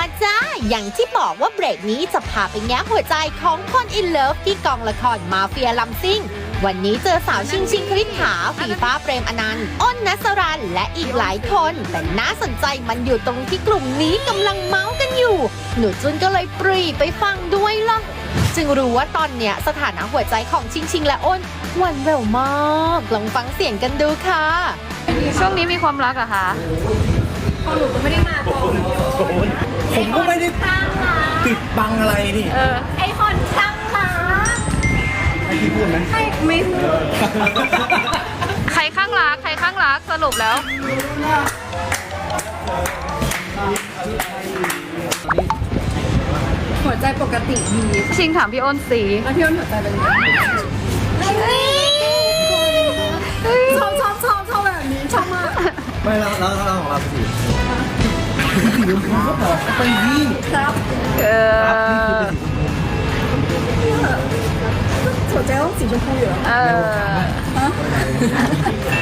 มาจ้าอย่างที่บอกว่าเบรกนี้จะพาไปแง้หัวใจของคนอินเลิฟที่กองละครมาเฟียลำซิ่งวันนี้เจอสาวชิงคริษฐาฝีฟ้าเปรมอนันต์อ้นนัสรันและอีกหลายคนแต่น่าสนใจมันอยู่ตรงที่กลุ่มนี้กำลังเมาส์กันอยู่หนูจุนก็เลยปรีไปฟังด้วยล่ะจึงรู้ว่าตอนเนี้ยสถานะหัวใจของชิงและอ้นหวานแหววมากลองฟังเสียงกันดูค่ะช่วงนี้มีความรักเหรอคะของหนูก็ไม่ได้มาก่อนผมก็ไม่ได้ปิดบังอะไรนี่ไอคนช่างรักให้พี่พูดไหมไม่พูดใครข้างรักใครข้างรักสรุปแล้วหัวใจปกติดีชิงถามพี่อ้นสีแล้วพี่อ้นหัวใจเป็นไงชอบแบบนี้ชอบมากไม่แล้วของเราสิสีชมพูก็บอกไปนี่ครับครับนี่คือเป็นสีชมพูหัวใจต้องสีชมพูอยู่แล้ว